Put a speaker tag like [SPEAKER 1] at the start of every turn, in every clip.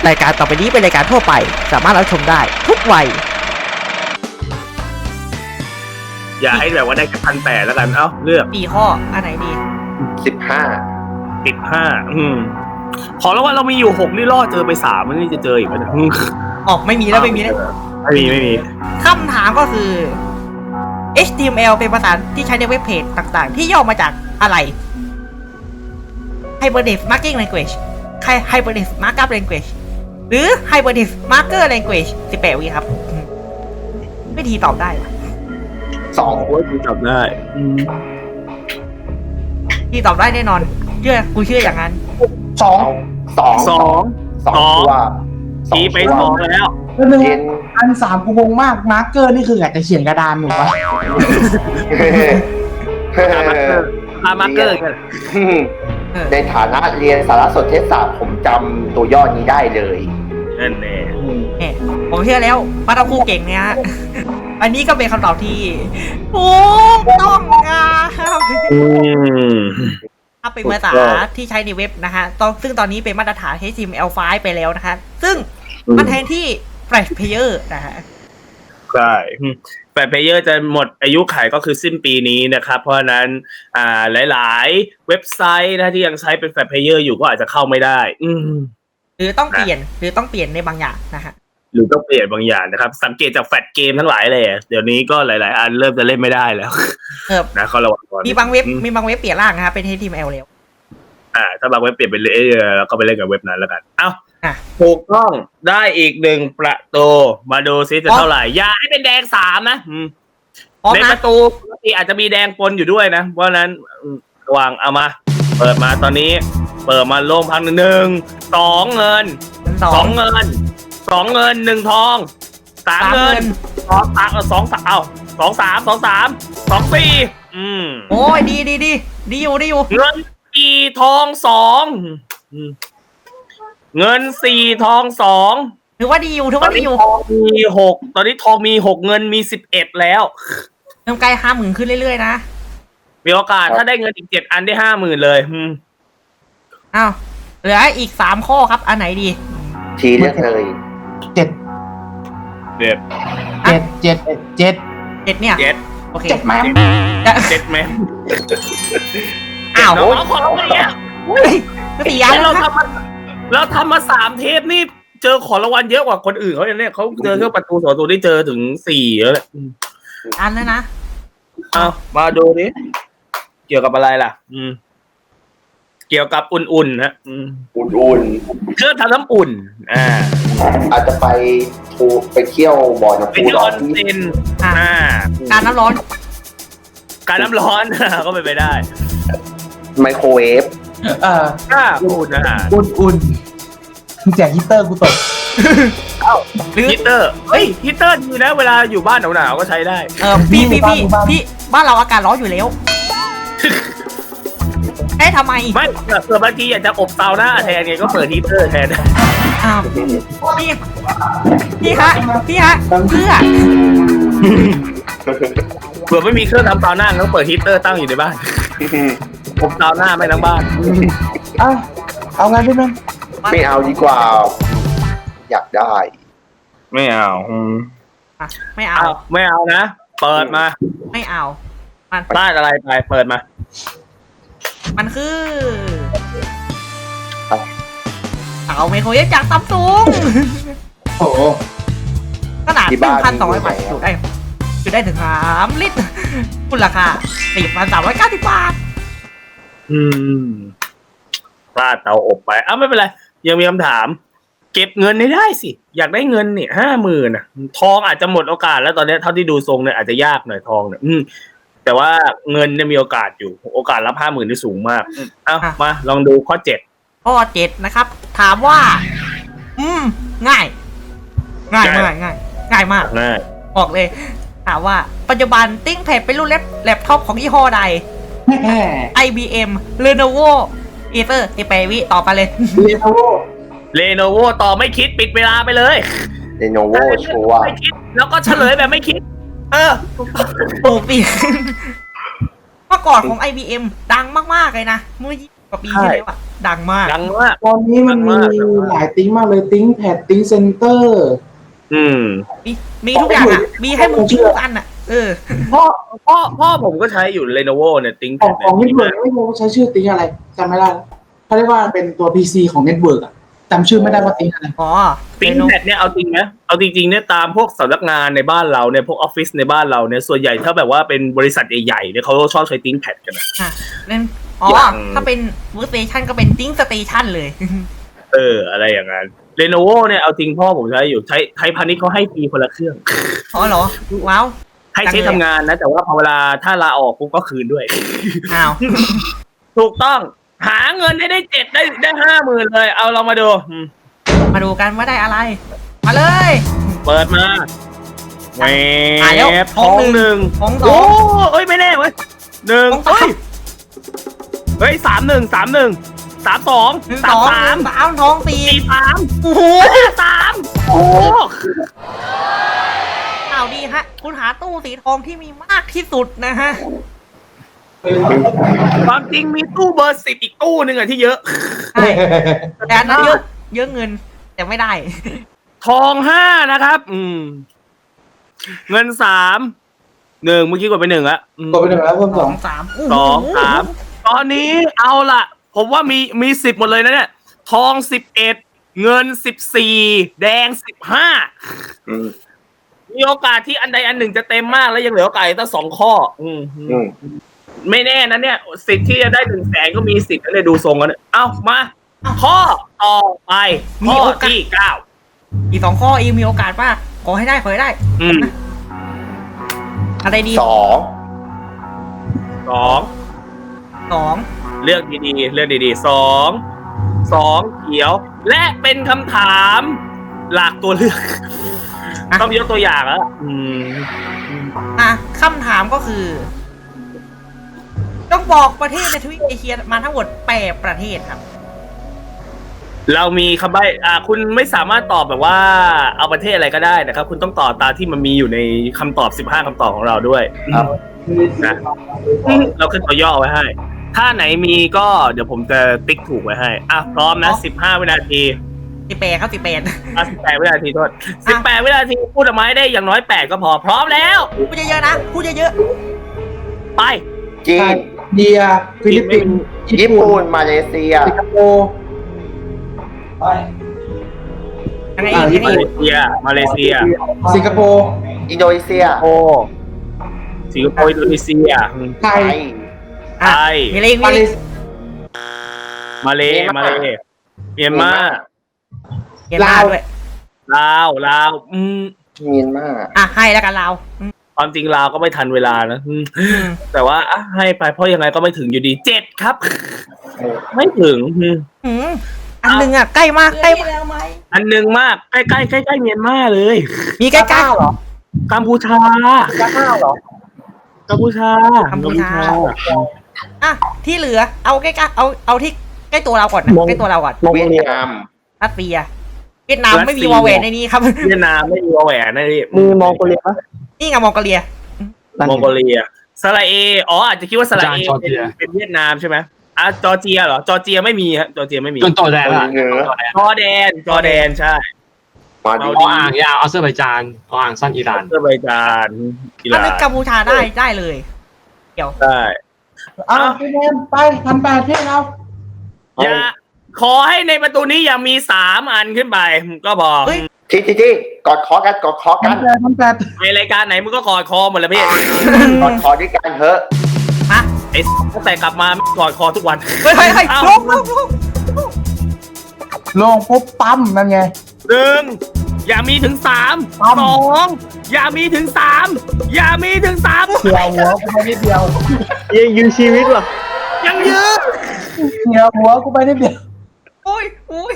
[SPEAKER 1] รายการต่อไปนี้เป็นรายการทั่วไปสามารถรับชมได้ทุกวัย
[SPEAKER 2] อย่าให้แบบว่าได้แค่1,800แล้วกันเอ้าเลือก
[SPEAKER 1] 4 ข้ออันไหนดี
[SPEAKER 2] 15ขอแล้วว่าเรามีอยู่6นี่ล่อเจอไป3มันนี่จะเจออีกไหม
[SPEAKER 1] ไม่มีแล้วไม่มีคำถามก็คือ HTML เป็นภาษาที่ใช้ในเว็บเพจต่างๆที่ย่อมาจากอะไร Hypertext Markup Language Hypertext Markup Language หรือ Hypertext Marker Language 18 วิครับไม่ทีตอบได้
[SPEAKER 2] 2ว่ากูตอบได้
[SPEAKER 1] ทีตอบได้แน่นอนกูเชื่ออย่างนั้น
[SPEAKER 3] 2ตัว
[SPEAKER 2] ทีไป2แล้ว
[SPEAKER 3] อัน3กูงงมากมาร์เกอร์นี่คืออยากจะเขียนกระดานหนูปะ
[SPEAKER 2] มาร์เกอร์กัน
[SPEAKER 3] ในฐานะเรียนสารสนเทศศาสตร์ผมจำตัวย่อนี้ได้เลย
[SPEAKER 2] นั่นแน่
[SPEAKER 1] ผมเชื่อแล้วป้าตะคูเก่งเนี่ยอันนี้ก็เป็นคำตอบที่ถูกต้องครับถ้าเป็นภาษาที่ใช้ในเว็บนะคะซึ่งตอนนี้เป็นมาตรฐาน HTML5 ไปแล้วนะคะซึ่งมันแทนที่ Flash Player นะฮะ
[SPEAKER 2] ใช่Flash Player จะหมดอายุขัยก็คือสิ้นปีนี้นะครับเพราะฉะนั้นหลายๆเว็บไซต์นะที่ยังใช้เป็น Flash Player อยู่ก็อาจจะเข้าไม่ได้
[SPEAKER 1] หรือต้องเปลี่ยนในบางอย่างนะฮะ
[SPEAKER 2] หรือต้องเปลี่ยนบางอย่างนะครับสังเกตจากแฟลชเกมทั้งหลายเลยเดี๋ยวนี้ก็หลายๆอันเริ่มจะเล่นไม่ได้แล้วนะเขาระวังก่อน
[SPEAKER 1] มีบางเว็บเปลี่ยนร่างนะครับเป็น HTML แล้ว
[SPEAKER 2] ถ้าบางเว็บเปลี่ยนเป็นแล้วก็ไปเล่นกับเว็บนั้นแล้วกันถูกต้องได้อีก1ประตูมาดูซิจะเท่าไหร่อย่าให้เป็นแดง3นะในประตูปกติอาจจะมีแดงปนอยู่ด้วยนะเพราะนั้นระวังเอามาเปิดมาตอนนี้เปิดมาโล่งพัง1 2เงิน2เงิน2เงิน1ทอง3เงิน2 3เอา2 3 2 3 2 4
[SPEAKER 1] โอ้ยดีอยู่
[SPEAKER 2] เงิน4ทอง2เงิน4ทอง2
[SPEAKER 1] ถือว่าดีอยู่
[SPEAKER 2] มี6ตอนนี้ทองมี6เงินมี11แล้ว
[SPEAKER 1] เริ่มใกล้ 50,000 ขึ้นเรื่อยๆนะ
[SPEAKER 2] มีโอกาสถ้าได้เงินอีก7อันได้ 50,000 เลย
[SPEAKER 1] อ้าวเหลืออีก3ข้อครับอันไหนดี
[SPEAKER 3] ทีเลือกเลย7
[SPEAKER 1] เนี่ยโอเค
[SPEAKER 3] 7แม่
[SPEAKER 1] อ้าว
[SPEAKER 2] ขอร้องเนี่ย
[SPEAKER 1] ก็ตียา
[SPEAKER 2] แล้วทำมา3เทปนี่เจอขอรางวัลเยอะกว่าคนอื่นเขาเนี่ยเขาเจอแค่ประตู2ตัวได้เจอถึง4แล้วแหละ
[SPEAKER 1] อันแล้วนะ
[SPEAKER 2] เอามาดูดิเกี่ยวกับอะไรล่ะเกี่ยวกับอุ่นๆนะ
[SPEAKER 3] อุ่น
[SPEAKER 2] เครื่องทำน้ำอุ่น
[SPEAKER 3] อาจจะไปเที่ยวบ่อน้ำพุ
[SPEAKER 2] ร้อนเป็น
[SPEAKER 1] การน้ำร้อน
[SPEAKER 2] ก็ไปได้
[SPEAKER 3] ไมโครเวฟ
[SPEAKER 2] อุ่น
[SPEAKER 3] แจกฮีเตอร์กูตก
[SPEAKER 2] ฮีเตอร์ฮีเตอร์ดีนะเวลาอยู่บ้านหนาวๆก็ใช้ได้
[SPEAKER 1] พี่บ้านเราอากาศร้อนอยู่แล้วทำไม
[SPEAKER 2] ไม่เกิดบางทีอยากจะอบเตาหน้าแทนไงก็เปิดฮีเตอร์แทน
[SPEAKER 1] พี่ฮะเ
[SPEAKER 2] ผื่อไม่มีเครื่องทำเตาหน้าก็เปิดฮีเตอร์ตั้งอยู่ในบ้านอบเตาหน้าไม่ทั้งบ้าน
[SPEAKER 3] เอางั้นได้ไหมไม่เอาดีกว่าอยากได้
[SPEAKER 2] ไม่เอานะเปิดมา
[SPEAKER 1] ไม่เอา
[SPEAKER 2] มันได้อะไรไปเปิดมา
[SPEAKER 1] มันคือเอาไมโครเวฟจากซัมซุง
[SPEAKER 3] โอ้
[SPEAKER 1] ขนาด 1,200 บาทจุได้ถึง3 ลิตรคุณราคา 4,390 บาท
[SPEAKER 2] พลาดเตาอบไปไม่เป็นไรยังมีคำถามเก็บเงินได้สิอยากได้เงินเนี่ย 50,000 นะทองอาจจะหมดโอกาสแล้วตอนนี้เท่าที่ดูทรงเนี่ยอาจจะยากหน่อยทองเนี่ยแต่ว่าเงินเนี่ยมีโอกาสอยู่โอกาสรับ 50,000 ที่สูงมากมาลองดูข้อ
[SPEAKER 1] 7นะครับถามว่าง่ายมากบอกเลยถามว่าปัจจุบันติ้งแพดเป็นรุ่นแล็ปท็อปของยี่ห้อใด IBM Lenovo Acer 18 วิต่อไปเลย
[SPEAKER 2] Lenovo ต่อไม่คิดปิดเวลาไปเลย
[SPEAKER 3] Lenovo ชัวร์
[SPEAKER 2] ไม่คิดแล้วก็เฉลยแบบไม่คิด
[SPEAKER 1] ถูกปีเมื่อก่อนของ IBM ดังมากๆเลยนะเมื่อ20 กว่าปีที่แล้วดังมาก
[SPEAKER 2] ดังมาก
[SPEAKER 3] ตอนนี้มันมีหลายติ้งมากเลยติ้งแพดติ้งเซนเตอร์
[SPEAKER 1] มีทุกอย่างอ่ะมีให้มึงทิ้งทุกอันอ่ะ
[SPEAKER 2] พ่อผมก็ใช้อยู่ Lenovo เนี่ยติ้ง
[SPEAKER 3] ของเน็ตเวิร์กไม่รู้ใช้ชื่อติ้งอะไรจำไม่ได้แล้วเขาเรียกว่าเป็นตัว PC ของเน็ตเวิร์กอะจำชื่อไม่ได้ว่าติ้งอะไร
[SPEAKER 1] อ๋อ
[SPEAKER 2] ติ้งแพดเนี่ยเอาจริงนะเอาจริงๆเนี่ยตามพวกสำนักงานในบ้านเราเนี่ยพวกออฟฟิศในบ้านเราเนี่ยส่วนใหญ่ถ้าแบบว่าเป็นบริษัทใหญ่ๆเนี่ยเขาชอบใช้ติ้งแพดกันนะ
[SPEAKER 1] นั่นถ้าเป็นเวิร์กสเตชันก็เป็นติ้งสเตชันเลย
[SPEAKER 2] อะไรอย่างนั้น Lenovo เนี่ยเอาจริงพ่อผมใช้อยู่ใช้ไทยพาณิชย์เขาให้ฟรีคนละเครื่อง
[SPEAKER 1] อ๋อเหรอว้าว
[SPEAKER 2] ให้ใช้ทำงานนะแต่ว่าพอเวลาถ้าลาออกปุ๊บก็คืนด้วย
[SPEAKER 1] อ้าว
[SPEAKER 2] ถูกต้องหาเงินให้ได้ได้50,000เลยเอาเรามาดู
[SPEAKER 1] มาดูกันว่าได้อะไร มาเลย
[SPEAKER 2] เปิดมาแหว
[SPEAKER 1] แล้ว
[SPEAKER 2] บทองหนึ่ง
[SPEAKER 1] ทองส
[SPEAKER 2] โอ้
[SPEAKER 1] อง
[SPEAKER 2] เอ้ยไม่แน่เว้ยหนึ่ง
[SPEAKER 1] ทองสาม
[SPEAKER 2] เฮ้ย31 31 32 33
[SPEAKER 1] ทองสี่
[SPEAKER 2] 43
[SPEAKER 1] โอ้โห
[SPEAKER 2] 3โอ้
[SPEAKER 1] ข่าวดีฮะ คุณหาตู้สีทองที่มีมากที่สุดนะฮะ
[SPEAKER 2] ความจริงมีตู้เบอร์10อีกตู้หนึ่งอะที่เยอะ
[SPEAKER 1] ใช่แต่อันนั้นเยอะเงิน แต่ไม่ได้
[SPEAKER 2] ทอง5นะครับเงิน3 1เมื่อกี้กดไป1อะ
[SPEAKER 3] กดไปหนึ่งแล้วเพิ่ม
[SPEAKER 1] ส
[SPEAKER 3] ส
[SPEAKER 1] อ
[SPEAKER 3] อง ง
[SPEAKER 1] สาม
[SPEAKER 2] 2 3ตอนนี้เอาล่ะ ผมว่ามี10หมดเลยนะเนี่ยทอง11เงิน14แดง15มีโอกาสที่อันใดอันหนึ่งจะเต็มมากแล้วยังเหลือโอกาสตั้ง2ข้อไม่แน่นะเนี่ยสิทธิ์ที่จะได้100,000ก็มีสิทธิ์เลยดูทรงกันเอ้ามาข้อต่อไปข้อที่9
[SPEAKER 1] อีก2 ข้ออีมีโอกาสมากขอให้ได้อะไรดี
[SPEAKER 3] สอง
[SPEAKER 1] 2
[SPEAKER 2] เลือกดีๆ2เขียวและเป็นคำถามหลากตัวเลือกต้องยกตัวอย่างแล้ว
[SPEAKER 1] คำถามก็คือ ต้องบอกประเทศในทวีปเอเชียมาทั้งหมด8 ประเทศครับ
[SPEAKER 2] เรามีคำใบ้คุณไม่สามารถตอบแบบว่าเอาประเทศอะไรก็ได้นะครับคุณต้องตอบตามที่มันมีอยู่ในคำตอบ15คำตอบของเราด้วยนะเราขึ้นตัวย่อไว้ให้ถ้าไหนมีก็เดี๋ยวผมจะติ๊กถูกไว้ให้พร้อมนะ15วินาที
[SPEAKER 1] 18ครับ
[SPEAKER 2] 18วินาทีโทษ18วินาทีพูดออกมาให้ได้อย่างน้อย8ก็พอพร้อมแล้ว
[SPEAKER 1] พูดเยอะๆนะพูดเยอะ
[SPEAKER 2] ๆไป
[SPEAKER 3] จีนอินเดียฟิลิปปินส์ญี่ปุ่นมาเลเซียสิงคโปร์
[SPEAKER 2] มาเลเซีย
[SPEAKER 3] สิงคโปร์อินโดนีเซีย
[SPEAKER 2] อินโดนีเซีย
[SPEAKER 3] ไทย
[SPEAKER 1] มีอะไรอีก
[SPEAKER 2] มาเลเมียนมา
[SPEAKER 1] ลาวด้วย
[SPEAKER 2] ลาว
[SPEAKER 3] เมียนมา
[SPEAKER 1] ให้แล้วกันลาว
[SPEAKER 2] ความจริงลาวก็ไม่ทันเวลานะแต่ว่าให้ไปเพราะยังไงก็ไม่ถึงอยู่ดี7ครับไม่ถึง
[SPEAKER 1] อันหนึ่งใกล้มาก
[SPEAKER 2] อันหนึ่งมากใกล้เมียนมาเลย
[SPEAKER 1] มีใกล้ๆ
[SPEAKER 3] เหรอ
[SPEAKER 2] กัมพูชา
[SPEAKER 3] เหรอ
[SPEAKER 2] กัมพูชา
[SPEAKER 1] ที่เหลือเอาใกล้เอาที่ใกล้ตัวเราก่อนนะใกล้ตัวเราก่อน
[SPEAKER 3] เวียดนาม
[SPEAKER 1] รัสเซียเวียดนามไม่มีวอลแหวนในนี้ครับ
[SPEAKER 2] เวียดนามไม่มีวอลแหวนในนี้
[SPEAKER 3] มีมองโกเลีย
[SPEAKER 1] นี่ไงมองโกเลีย
[SPEAKER 2] สระเออาจจะคิดว่าสระเอเป็นเวียดนามใช่ไหมจอร์เจียเหรอจอร์เจียไม่มีฮะจอร์เจียไม่มี
[SPEAKER 4] จอร์แดน
[SPEAKER 2] จอร์แดนใช่
[SPEAKER 4] อ่างยาวอาเซอร์ไบจานอ่างสั้นอิหร่าน
[SPEAKER 2] อาเซอร์ไบจาน
[SPEAKER 1] ถ้าเป็นกัมพูชาได้เลยเดี๋ยว
[SPEAKER 2] ได้
[SPEAKER 3] พี่เนมไป1,800ที่เรา
[SPEAKER 2] อย่าขอให้ในประตูนี้อย่ามี3อันขึ้นไปก็พอ
[SPEAKER 3] ที่กอดคอกัน
[SPEAKER 2] 1,800ในรายการไหนมึงก็กอดคอหมดเลยพี่
[SPEAKER 3] กอดคอด้วยกันเถอะ
[SPEAKER 2] ไอ้ตั้งแต่กลับมากอดคอทุกวัน
[SPEAKER 1] เฮ้ย
[SPEAKER 3] ลงปุ๊บปั๊มนั่นไง
[SPEAKER 2] 1อย่ามีถึง3 2อย่ามีถึง3อย่ามีถึง3
[SPEAKER 3] เดียวหัวกูไปนิดเดียว
[SPEAKER 4] ยังยืนชีวิตเหรอ
[SPEAKER 2] ยังยืน
[SPEAKER 3] เดียวหัวกูไปนิดเดียว
[SPEAKER 1] โอ้ย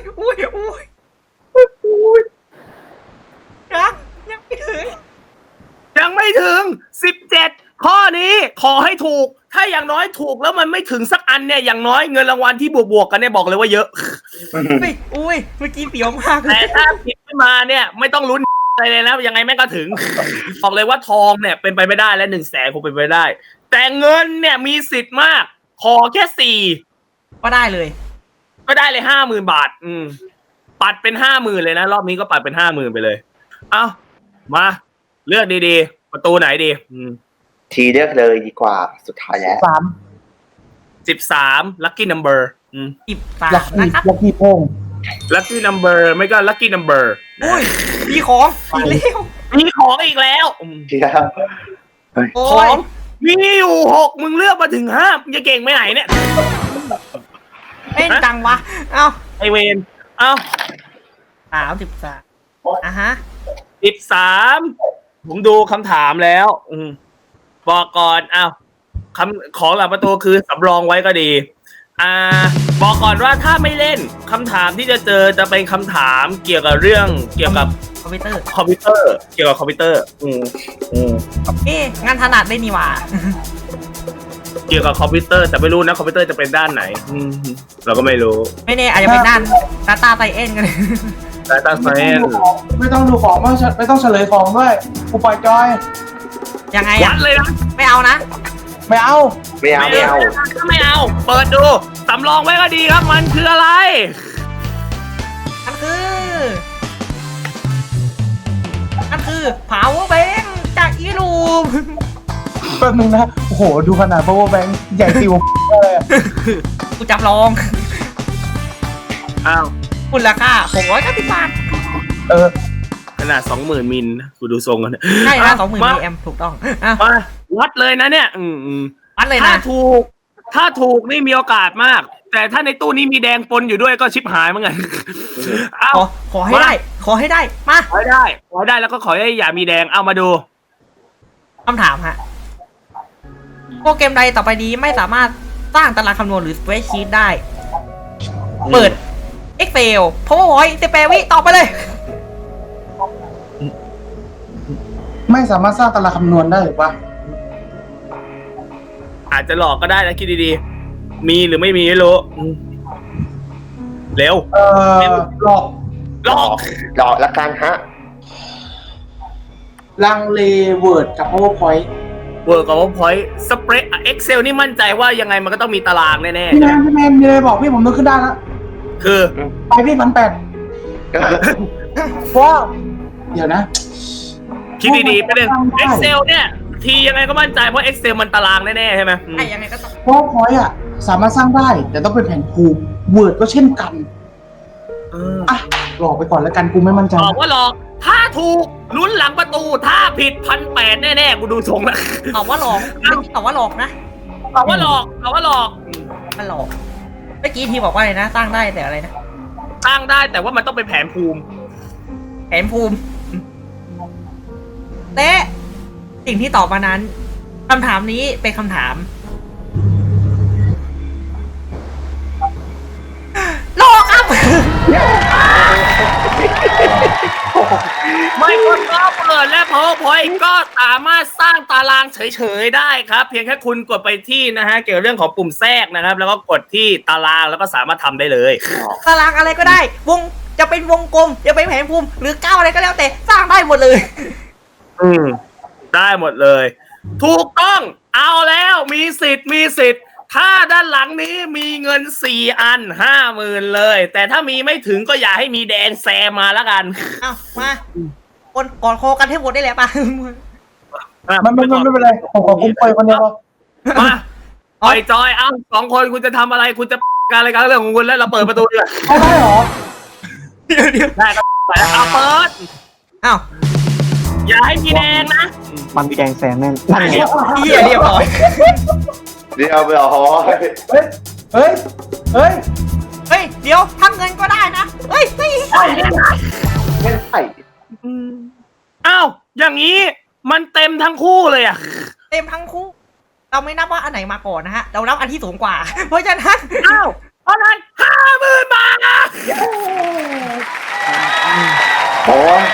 [SPEAKER 2] ยังไม่ถึง17ข้อนี้ขอให้ถูกถ้าอย่างน้อยถูกแล้วมันไม่ถึงสักอันเนี่ยอย่างน้อยเงินรางวัลที่บวกกันเนี่ยบอกเลยว่าเยอะ
[SPEAKER 1] อุ้ยเมื่อกี้เสียวมาก
[SPEAKER 2] แต่ถ้าผิดขึ้นมาเนี่ยไม่ต้องลุ้นอะไรเลยนะยังไงแม่งก็ถึงบอกเลยว่าทองเนี่ยเป็นไปไม่ได้และ100,000คงเป็นไปไม่ได้แต่เงินเนี่ยมีสิทธิ์มากขอแค่4
[SPEAKER 1] ก็ได้เลย
[SPEAKER 2] ก็ได้เลย50,000 บาท ปัดเป็น50,000เลยนะรอบนี้ก็ปัดเป็น50,000ไปเลย เอ้ามาเลือกดีๆประตูไหนดี
[SPEAKER 5] ทีเลือกเลยดีกว่าสุดท้ายแล้ว
[SPEAKER 2] 13 lucky number
[SPEAKER 1] 13
[SPEAKER 3] ลัก
[SPEAKER 1] นะครับ
[SPEAKER 3] กี้โป้ง
[SPEAKER 2] lucky number ไม่ก็ lucky number
[SPEAKER 1] อุ้ยมีของอีกแล้ว
[SPEAKER 2] มีของอีกแล้ว
[SPEAKER 5] เที่ยว
[SPEAKER 1] โอ้
[SPEAKER 2] ขอย งมีอยู่6มึงเลือกมาถึง5มึงจะเก่งไปไหนเนี่ย
[SPEAKER 1] เล่นจังวะเอ้า
[SPEAKER 2] ไอเวนเอ้า
[SPEAKER 1] 33อ่ะฮะ
[SPEAKER 2] 13ผมดูคำถามแล้วบอกก่อนคำของหลังประตูคือสำรองไว้ก็ดีบอกก่อนว่าถ้าไม่เล่นคำถามที่จะเจอจะเป็นคำถามเกี่ยวกับเรื่องเกี่ยวกับ
[SPEAKER 1] คอมพิวเตอร์
[SPEAKER 2] เกี่ยวกับคอมพิวเตอร์
[SPEAKER 1] งานถนัดได้นี่หว่า
[SPEAKER 2] เกี่ยวกับคอมพิวเตอร์แต่ไม่รู้นะคอมพิวเตอร์จะเป็นด้านไหนเราก็ไม่รู้
[SPEAKER 1] ไม่แน่อาจจะเป็นด้าน Data Science กันเลย
[SPEAKER 2] Data Science
[SPEAKER 3] ไม่ต้องดูของไม่ต้องเฉลยของด้วยกูปล่อยจอย
[SPEAKER 1] ยังไง
[SPEAKER 2] วั
[SPEAKER 1] อ่ะ
[SPEAKER 2] ดเลยนะ
[SPEAKER 1] ไม่เอานะ
[SPEAKER 3] ไม่เอา
[SPEAKER 5] ไม่เอา
[SPEAKER 2] ไม่เอาเปิดดูสำรองไว้ก็ดีครับมันคืออะไร
[SPEAKER 1] มันคือ power bank จากอีลูม
[SPEAKER 3] แป๊บนึงนะโอ้โหดูขนาด power bank ใหญ่ติวเลยอะ
[SPEAKER 1] กูจำลอง
[SPEAKER 2] อ้าว
[SPEAKER 1] มูลค่า690 บาท
[SPEAKER 2] ขนาด 20,000 มิลนะกูดูทรงกัน
[SPEAKER 1] ใช่นะ20,000 มิลลิแอมป์ถูกต้องอ่ะ
[SPEAKER 2] มาวัดเลยนะเนี่ย
[SPEAKER 1] วัดเลย
[SPEAKER 2] ถ้า
[SPEAKER 1] นะ
[SPEAKER 2] ถูกนี่มีโอกาสมาก แต่ถ้าในตู้นี้มีแดงปนอยู่ด้วยก็ชิบหายเหมือนกันเอา
[SPEAKER 1] ขอให้ได้ ขอให้ได้ มา
[SPEAKER 2] ขอให้ได้แล้วก็ขอให้อย่ามีแดงเอามาดู
[SPEAKER 1] คำถามฮะโปรแกรมใดต่อไปนี้ไม่สามารถสร้างตารางคำนวณหรือ spreadsheet ได้ เปิด Excel PowerPoint 18 วิต่อไปเลย
[SPEAKER 3] ไม่สามารถสร้างตารางคำนวณได้หรือวะ
[SPEAKER 2] อาจจะหลอกก็ได้นะคิดดีๆมีหรือไม่มีไม่รู้เร็ว
[SPEAKER 3] หลอก
[SPEAKER 2] หลอก
[SPEAKER 5] ละกันฮะ
[SPEAKER 3] ลังเลเวิร์ดกับ powerpoint
[SPEAKER 2] เวิร์กกับว่าพอยต์สเปรดเอ็กเซลนี่มั่นใจว่ายังไงมันก็ต้องมีตารางแน่
[SPEAKER 3] พี่แมนมีอะไรบอกพี่ผมนึกขึ้นได้แล้ว
[SPEAKER 2] ๆคือ
[SPEAKER 3] ไปพี่1,800ว้าวเดี๋ยวนะ
[SPEAKER 2] คิดดีๆไปหนึ่ง Excel เนี่ย ทียังไงก็มั่นใจเพราะ Excel มันตารางแน่ๆใช่ไหม
[SPEAKER 1] ไอ้ยังไงก็ต้อง
[SPEAKER 3] powerpoint อ่ะสามารถสร้างได้ แต่ต้องเป็นแผนภูมิ word ก็เช่นกันอ่ะหลอกไปก่อนแล้วกันกูไม่มั่นใจ
[SPEAKER 2] บอกว่าหลอกถ้าถูกลุ้นหลังประตูถ้าผิด1,800แน่ๆกูดูทรงแล้ว
[SPEAKER 1] ตอบว่าหลอกเมื่อกี้ตอบว่าหลอกนะ
[SPEAKER 2] บอกว่าหลอก
[SPEAKER 1] มันหลอกเมื่อกี้ทีบอกว่าอะไรนะสร้างได้แต่อะไรนะ
[SPEAKER 2] สร้างได้แต่ว่ามันต้องเป็นแผนภูมิ
[SPEAKER 1] แผนภูมิและสิ่งที่ตอบมานั้นคำถามนี้เป็นคำถามหลอกครับ
[SPEAKER 2] ไม่คนก็เปิดและ PowerPoint ก็สามารถสร้างตารางเฉยๆได้ครับ เพียงแค่คุณกดไปที่นะฮะเกี่ยวกับเรื่องของปุ่มแทรกนะครับ แล้วก็กดที่ตารางแล้วก็สามารถทำได้เลย
[SPEAKER 1] ตารางอะไรก็ได้วงจะเป็นวงกลมจะเป็นแผนภูมิหรือก้าวอะไรก็แล้วแต่สร้างได้หมดเลย
[SPEAKER 2] ได้หมดเลย ถูกต้องเอาแล้วมีสิทธิ์ถ้าด้านหลังนี้มีเงิน4 อัน 50,000เลยแต่ถ้ามีไม่ถึงก็อย่าให้มีแดงแซมมาแล้วกัน
[SPEAKER 1] เอามาคนกอดคอกันให้หมดได้แหละป่ะ
[SPEAKER 3] มันไม่เป็นไรผมขอคุ้มไปคนเดียว
[SPEAKER 2] มาปล่อยจอยเอา2 คนคุณจะทำอะไรคุณจะการอะไรกันเรื่องของคุณแล้วเราเปิดประตูดีกว่า
[SPEAKER 3] ไม่ได้หรอ
[SPEAKER 1] เดี๋ยว
[SPEAKER 2] ได้ครับเอาเปิด
[SPEAKER 1] อ้าว
[SPEAKER 2] อย่าให้มีแดงนะ
[SPEAKER 6] มันมีแดงแซมแน่นนั่นไง
[SPEAKER 1] เหี้ยเรียบร้อย
[SPEAKER 5] เดี๋ยวไปอ๋อ
[SPEAKER 3] เฮ้ย
[SPEAKER 1] เดี๋ยวทำเงินก็ได้นะเฮ้ย
[SPEAKER 5] ไม่ใช่
[SPEAKER 2] อ้าวอย่างนี้มันเต็มทั้งคู่เลยอ่ะ
[SPEAKER 1] เต็มทั้งคู่เราไม่นับว่าอันไหนมาก่อนนะฮะเรานับอันที่สูงกว่า เพราะฉะนั้น
[SPEAKER 2] อ้าวเพราะนั้น50,000 บาท
[SPEAKER 5] โอ้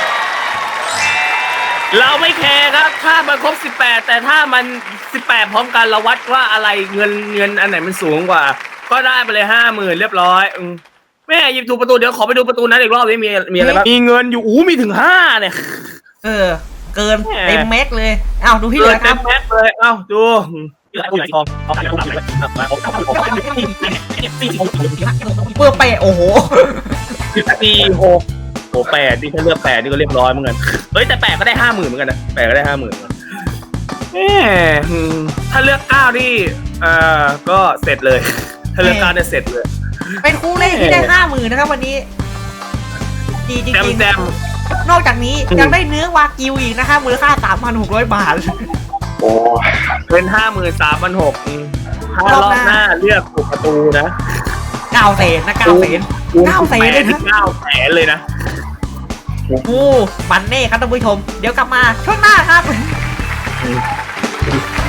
[SPEAKER 2] เราไม่แคร์ครับถ้ามันครบ18แต่ถ้ามัน18พร้อมกันเราวัดว่าอะไรเงินอันไหนมันสูงกว่า ก็ได้ไปเลย50,000เรียบร้อยแม่หยิบถูกประตูเดี๋ยวขอไปดูประตูนั้นอีกรอบนี้มีอะไรบ้างมีเงินอยู่มีถึง5เนี่ย
[SPEAKER 1] เกินเต็มแม็กเลยอ้าวดูที่เหลือค
[SPEAKER 2] เต็
[SPEAKER 1] รับ
[SPEAKER 2] มแม็กเลยอ้าวดู
[SPEAKER 1] เพื่อไปโอ้โห
[SPEAKER 2] 4 6โอ้8นี่ถ้าเลือก8นี่ก็เรียบร้อยเหมือนกันเฮ้ยแต่8ก็ได้ 50,000เหมือนกันนะ8ก็ได้ 50,000ถ้าเลือก9นี่ก็เสร็จเลยถ้าเลือก9เนี่ยเสร็จเลย
[SPEAKER 1] เป็นคู่เลขที่ได้ 50,000นะครับวันนี้ดีจริง
[SPEAKER 2] แจม
[SPEAKER 1] ๆนอกจากนี้ยังได้เนื้อวากิวอีกนะคะมูลค่า 3,600 บาท
[SPEAKER 5] โอ้
[SPEAKER 2] เป็น 53,600ถ้ารอบหน้าเลือกถูกประตูนะ
[SPEAKER 1] 9 แสนนะ9 แสน 9 แสนเลยนะ
[SPEAKER 2] 9 แสนเลยนะ
[SPEAKER 1] โอ้มันเน่ครับท่านผู้ชม เดี๋ยวกลับมาช่วงหน้าครับ